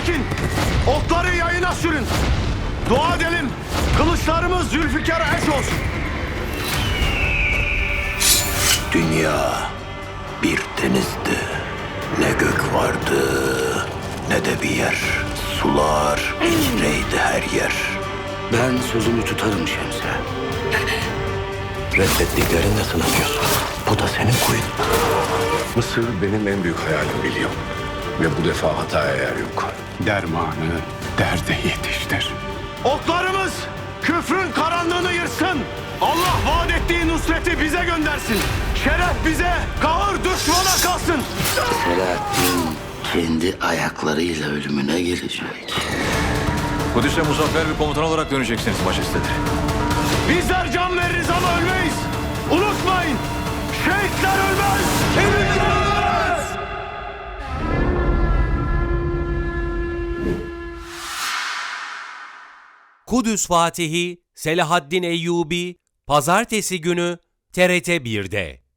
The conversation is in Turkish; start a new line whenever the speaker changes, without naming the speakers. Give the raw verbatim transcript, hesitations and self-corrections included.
çekin. Okları yayına sürün. Dua edelim. Kılıçlarımız Zülfikar'a eş olsun.
Dünya bir denizdi. Ne gök vardı ne de bir yer. Sular içreydi her yer.
Ben sözümü tutarım Şemse.
Reddettiklerinde sınanıyorsun. Bu da senin kuyun.
Mısır benim en büyük hayalim biliyorum. Ve bu defa hataya yer yok. Dermanı derde yetiştir.
Oklarımız küfrün karanlığını yırsın. Allah vaat ettiği nusreti bize göndersin. Şeref bize, kahır düşmana kalsın.
Selahaddin kendi ayaklarıyla ölümüne gelecek.
Kudüs'e muzaffer bir komutan olarak döneceksiniz majesteleri.
Bizler can veririz ama ölmeyiz. Unutmayın, şehitler ölmez, kemikler ölmez.
Kudüs Fatihi Selahaddin Eyyubi Pazartesi günü T R T bir'de.